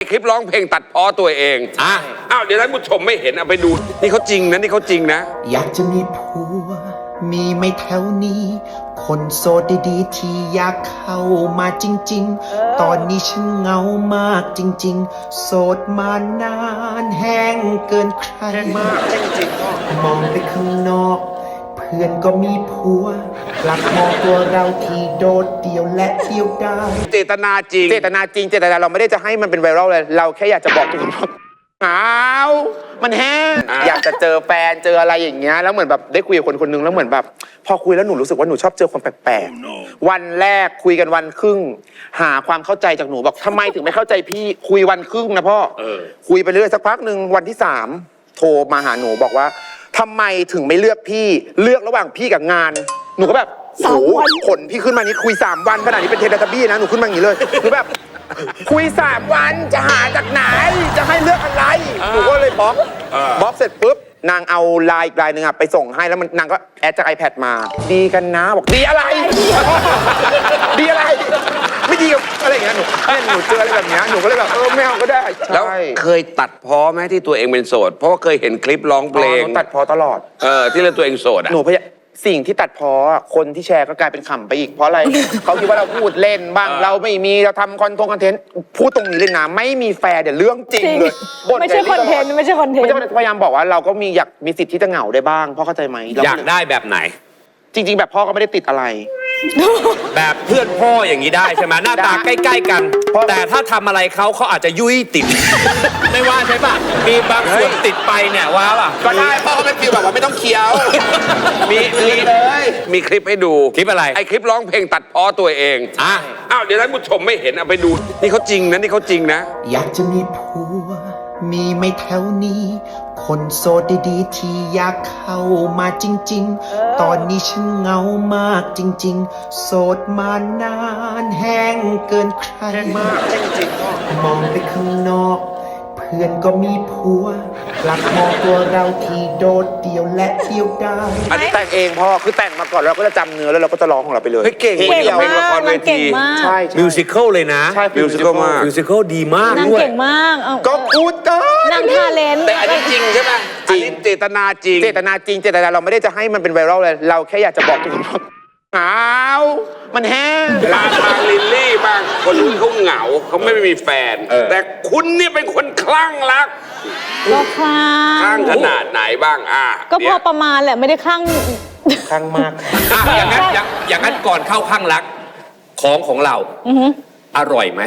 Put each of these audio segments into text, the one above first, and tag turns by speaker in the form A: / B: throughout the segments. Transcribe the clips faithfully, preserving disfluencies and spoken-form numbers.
A: คลิปร้องเพลงตัดพ้อตัวเองอ่ะอ้าวเดี๋ยวท่านผู้ชมไม่เห็นเอาไปดูนี่เขาจริงนะนี่เขาจริงนะ
B: อยากจะมีผัวมีไหม่แถวนี้ คนโสดดีๆที่อยากเข้ามาจริงๆ ตอนนี้ฉันเหงามากจริงๆ โสดมานานแห้งเกินใครมากจริงๆมองไปข้างนอกเพื่อนก็มีผัวกลับมองตัวเราที่โดดเดี่ยวและเดียวดาย
A: เจตนาจริง
C: เจตนาจริงเจตนาเราไม่ได้จะให้มันเป็นไวรัลเลยเราแค่อยากจะบอกทุกคนว่าอ้าวมันแห้งอยากจะเจอแฟนเจออะไรอย่างเงี้ยแล้วเหมือนแบบได้คุยกับคนคนนึงแล้วเหมือนแบบพอคุยแล้วหนูรู้สึกว่าหนูชอบเจอคนแปลกๆวันแรกคุยกันวันครึ่งหาความเข้าใจจากหนูบอกทำไมถึงไม่เข้าใจพี่คุยวันครึ่งนะพ่อคุยไปเรื่อยสักพักหนึ่งวันที่สามโทรมาหาหนูบอกว่าทำไมถึงไม่เลือกพี่เลือกระหว่างพี่กับงานหนูก็แบบโอ้โหขนพี่ขึ้นมานี่คุยสามวันขนาดนี้เป็นเทเลทับบี้นะหนูขึ้นมาอย่างนี้เลยหนูแบบคุยสามวันจะหาจากไหนจะให้เลือกอะไรหนูก็เลยบล็อกบล็อกเสร็จปุ๊บนางเอาไลน์อีกไลน์หนึ่งอะไปส่งให้แล้วมันนางก็แอดจาก iPad มาดีกันนะบอกดีอะไร ดีอะไรไม่ดีกับอะไรอย่างเงี้ยหนูเนี่ยหนูเจออะไรแบบเนี้ยหนูก็เลยแบบเออไม่เอาก็ได้
A: แล้วเคยตัดพ้อไหมที่ตัวเองเป็นโสดเพราะว่าเคยเห็นคลิปร้องเพลง
C: หนูตัดพอตลอด
A: เออที่เรื่องตัวเองโสดอ่ะ
C: หนูพยายามสิ่งที่ตัดพออะคนที่แชร์ก็กลายเป็นขำไปอีกเพราะอะไร เขาคิดว่าเราพูดเล่นบ้างเราไม่มีเราทำคอนทงคอนเทนต์พูดตรงนี้เลยนะไม่มีแฟร์เดี๋ยวเรื่องจริงเลยบ่
D: ไม่ใช่คอนเทนต์ไม่ใช่คอนเทน
C: ไม่
D: ต์
C: ใช่พยายามบอกว่าเราก็มีอยากมีสิทธิ์ที่จะเหงาได้บ้างพ่อเข้าใจไหมเร
E: อยากได้แบบไหน
C: จริง ๆ แบบพ่อก็ไม่ได้ติดอะไร
E: แบบเพื่อนพ่ออย่างนี้ได้ใช่ไหมหน้าตาใกล้ ๆ กัน แต่ถ้าทำอะไรเขาเขาอาจจะยุ้ยติด ไม่ว่าใช่ปะมีบางส่วนติดไปเนี่ยว่าป่ะ
C: ก็ได้พ่อก็เป็นฟีลแบบว่าไม่ต้องเคี้ยว
A: มีมีมีคลิปให้ดู
E: คลิปอะไร
A: ไอคลิปร้องเพลงตัดพ้อตัวเอง
E: อ่ะ
A: อ้าวเดี๋ยวท่านผู้ชมไม่เห็นเอาไปดูนี่เขาจริงนะนี่เขาจริงนะ
B: อยากจะมีผัวมีไหม่แถวนี้ คนโสดดีๆที่อยากเข้ามาจริงๆ ตอนนี้ฉันเหงามากจริงๆ โสดมานานแห้งเกินใครมากจริงๆมองไปข้างนอกเพื่อนก็มีผัวกลับมองตัวเราที่โดดเดี่ยวและเดียวดาย
C: อันนี้แต่งเองพ่อคือแต่งมาก่อนแล้วเราก็จะจำเนื้อแล้วเราก็จะร้องของเราไปเลย
A: เฮ้ยเก่ง
C: พล
D: เก่ง
C: ดียว
A: เพลงละครเวที
D: เก่งมาก
C: ใช่ใช่
E: มิวสิควลเลยนะ
C: ใช่
A: มิวสิคัลมาก
E: มิวสิควลดีมาก
D: นาง
E: ด้วย
D: เก่งมากเอา
C: ก็พูดเกิน
D: นางทาเลนต์
A: แต่อันนี้จริงใช่ไหมอันนี้เจตนาจริง
C: เจตนาจริงเจตนาเราไม่ได้จะให้มันเป็นไวรัลเลยเราแค่อยากจะบอกทุกคนว่าอ้าวมันแห้ง
A: ลาทางลิลลี่บางคนเขาเหงาเขาไม่มีแฟน แต่คุณเนี่ยเป็นคนคลั่งรัก
D: ก็คลั่
A: คลั่
D: ง
A: งขนาดไหนบ้างอ่ะ
D: ก็พ
A: เนี่
D: อย ประมาณแหละไม่ได้คลั่ง
C: ครั้งมาก
E: อ่ะอย่างนั้นอย่างอย่างนั้นก่อนเข้าข้างรักของของเราอร่อยไหม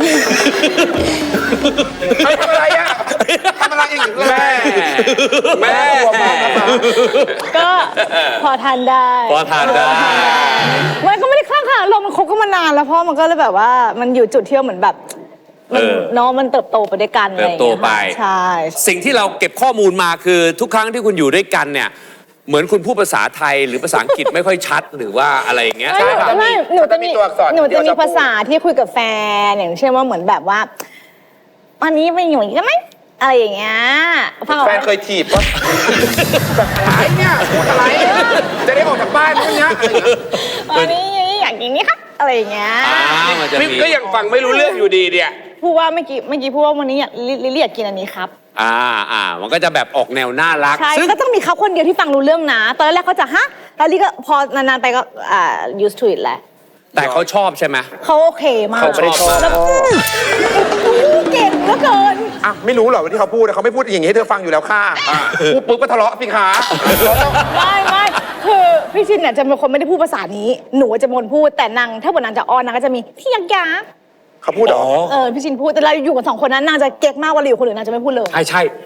C: ทำอะไรอ่ะทำอะไรอย่างนี้
A: แม่แม่
D: ก็พอทานได้
E: พอทานได้
D: มันก็ไม่ได้คลั่งค่ะเรามันคบกันมานานแล้วเพราะมันก็เลยแบบว่ามันอยู่จุดที่เหมือนแบบมัน
E: เออ
D: เน้องมันเติบโตไปด้วยกันอะไร
E: เติ
D: อบ ย่าง
E: โต
D: เงี้ย
E: ไป
D: ค่ะใช่
E: สิ่งที่เราเก็บข้อมูลมาคือทุกครั้งที่คุณอยู่ด้วยกันเนี่ย เหมือนคุณพูดภาษาไทยหรือภาษาอังกฤษไม่ค่อยชัดหรือว่าอะไรอย่างเงี้ย
D: ไม่
E: ใช่ป่ะ
D: ไม่หนูจะมี
C: ตัวอักษร
D: หนูจะมี
C: ที่เร
D: ภาษาที่คุยกับแฟนอย่างเช่นว่าเหมือนแบบว่าวันนี้ไปอยู่อีกไหมอะไรอย่างเงี้ยฟังออก
C: แฟ
D: ไหม
C: นเคยถีบว่าอะไรเนี่ยพูดอะไรจะได้ออกจากบ้านพวกเนี้ยอะไรอย่างเงี้ย
D: วันนี้อยากกินนี่ครับอะไรอย่างเงี้ย
E: อ่ามันจะ
A: นี่
E: มี
A: ก็ยังฟังไม่รู้เรื่องอยู่ดีเนี่ย
D: พูดว่าเมื่อกี้เมื่อกี้พูดว่าวันนี้อยากลิลิอยากกินอันนี้ครับ
E: อ่าอ่ามันก็จะแบบออกแนวน่ารัก
D: ใช่
E: ซึ่ง
D: ก็ต้องมีเขาคนเดียวที่ฟังรู้เรื่องนะ ตอนแรกเขาจะฮะแล้วลิก็พอนานๆไปก็อ่า used to it แหละ
E: แต่เขาชอบใช่ไหม
D: เขาโอเคมาก
E: เขาไม่ได้ชอบ
D: แล้วเก่งเหลือเกิน
C: อ่ะไม่รู้เหรอว่าที่เขาพูดเขาไม่พูดอย่างนี้ให้เธอฟังอยู่แล้วค่ะพูดปุ๊บก็ทะเลาะสิคะ
D: ไม่ไม่คือพี่ชินเนี่ยจะเป็นคนไม่ได้พูดภาษานี้ หนูจะเป็นคนพูดแต่นางถ้าบนนางจะอ้อนนางก็จะมีที่ยักยา
C: เขาพูดเหรอ
D: เออพี่ชินพูดแต่เราอยู่กันสองคนนั้นนางจะเก๊กมากเวลาอยู่คนอื่นนางจะไม่พูดเลย
E: ใช่ใช่